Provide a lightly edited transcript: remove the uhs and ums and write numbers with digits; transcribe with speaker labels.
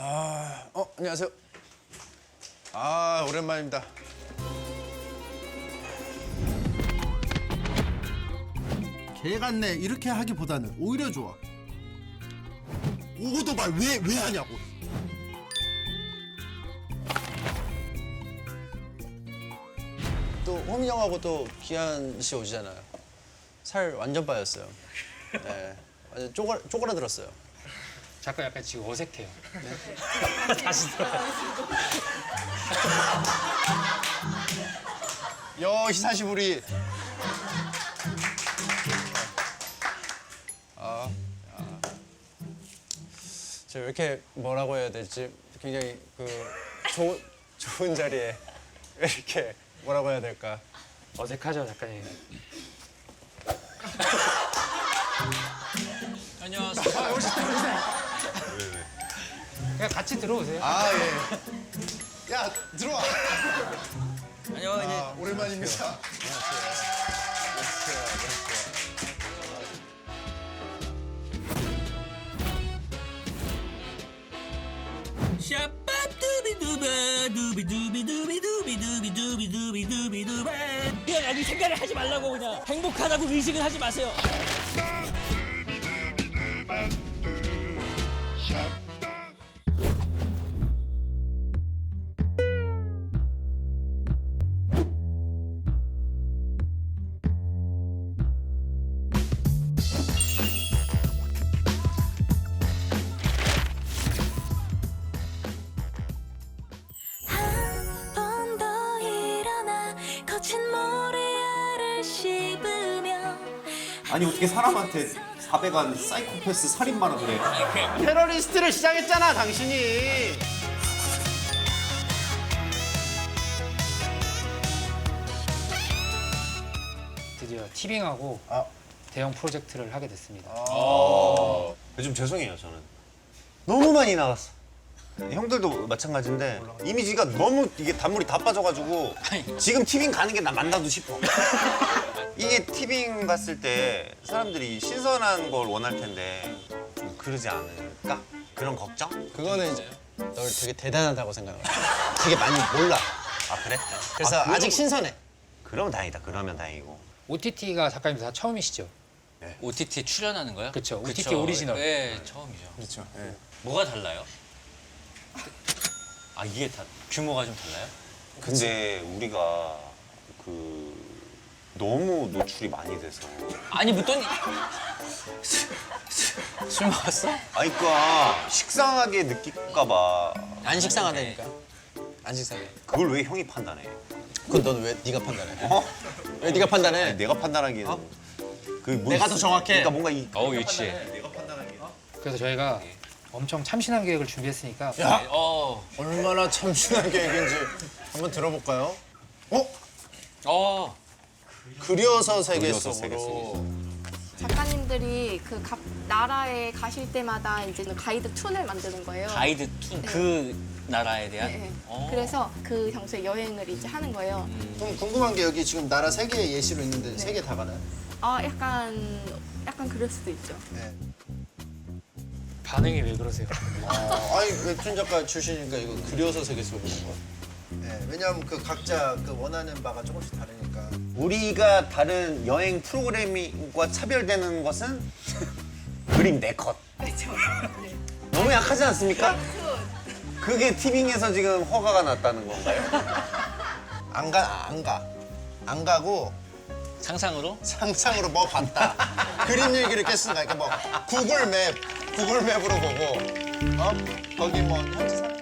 Speaker 1: 안녕하세요. 오랜만입니다.
Speaker 2: 개 같네 이렇게 하기보다는 오히려 좋아. 오도발 왜 하냐고.
Speaker 1: 또 호민 형하고 또 기한 씨 오시잖아요. 살 완전 빠졌어요. 네, 완전 쪼그라들었어요.
Speaker 3: 잠깐 약간 지금 어색해요. 다시 들어.
Speaker 1: 히사시부리. 제가 왜 이렇게 뭐라고 해야 될지 굉장히 좋은 자리에 왜 이렇게 뭐라고 해야 될까?
Speaker 3: 어색하죠, 작가님.
Speaker 1: 안녕하세요.
Speaker 3: 그냥 같이 들어오세요.
Speaker 1: 예. 야, 들어와.
Speaker 4: 안녕하세요.
Speaker 1: 오랜만입니다.
Speaker 4: 샤빠두비두바두비두비두비두비두비두비두비두바 그냥 여기 생각을 하지 말라고 그냥 행복하다고 의식을 하지 마세요.
Speaker 5: 아니 어떻게 사람한테 400안 사이코패스 살인마라 그래.
Speaker 1: 테러리스트를 시작했잖아, 당신이.
Speaker 3: 드디어 티빙하고 대형 프로젝트를 하게 됐습니다.
Speaker 5: 좀 죄송해요 저는. 너무 많이 나갔어. 형들도 마찬가지인데 이미지가 너무 이게 단물이 다 빠져가지고 지금 티빙 가는 게 나 맞나도 싶어. 이게 티빙 봤을 때 사람들이 신선한 걸 원할 텐데 좀 그러지 않을까? 그런 걱정?
Speaker 1: 그거는 이제 널 되게 대단하다고 생각을 해. 되게 많이 몰라.
Speaker 5: 아 그래?
Speaker 1: 그래서
Speaker 5: 아,
Speaker 1: 아직 신선해.
Speaker 5: 그러면 다행이다. 그러면 다행이고.
Speaker 3: OTT가 작가님 다 처음이시죠?
Speaker 6: OTT 출연하는 거요?
Speaker 3: 그쵸, OTT 오리지널.
Speaker 6: 네, 처음이죠.
Speaker 1: 그렇죠. 예.
Speaker 6: 뭐가 달라요? 아, 이게 다 규모가 좀 달라요?
Speaker 5: 근데 우리가 너무 노출이 많이 돼서.
Speaker 6: 아니, 묻더니 술 먹었어?
Speaker 5: 아니 그니까 식상하게 느낄까 봐.
Speaker 1: 안 식상하다니까. 안 식상해.
Speaker 5: 그걸 왜 형이 판단해?
Speaker 1: 그건 너는 왜 네가 판단해?
Speaker 5: 어?
Speaker 1: 왜 네가 판단해?
Speaker 5: 내가 판단하기에는
Speaker 1: 내가 더 정확해.
Speaker 5: 그러니까 뭔가
Speaker 6: 유치해.
Speaker 5: 내가 판단하기에는
Speaker 3: 그래서 저희가 엄청 참신한 계획을 준비했으니까
Speaker 1: 야,
Speaker 6: 어,
Speaker 1: 얼마나 참신한 계획인지 한번 들어볼까요? 그려서 세계
Speaker 5: 그려서 세계
Speaker 1: 속으로.
Speaker 7: 작가님들이 그 각 나라에 가실 때마다 이제 가이드 툰을 만드는 거예요.
Speaker 6: 가이드 툰, 그 나라에 대한?
Speaker 7: 네.
Speaker 6: 어.
Speaker 7: 그래서 그 장소에 여행을 이제 하는 거예요.
Speaker 1: 좀 궁금한 게 여기 지금 나라 세 개의 예시로 있는데 세 개 다 가나요?
Speaker 7: 약간 그럴 수도 있죠.
Speaker 1: 네.
Speaker 3: 반응이 왜 그러세요?
Speaker 1: 아니 웹툰 작가 출신이니까 이거 그려서 세계 속으로 본 거야. 네, 왜냐하면 그 각자 그 원하는 바가 조금씩 다르니까.
Speaker 5: 우리가 다른 여행 프로그램과 차별되는 것은 그림 4컷.
Speaker 7: 그렇죠.
Speaker 5: 너무 약하지 않습니까? 그게 티빙에서 지금 허가가 났다는 건가요?
Speaker 1: 안 가고
Speaker 6: 상상으로?
Speaker 1: 상상으로 뭐 봤다. 그림 일기를 깼으니까 이렇게 뭐 구글 맵으로 보고 거기 뭐 현지 사람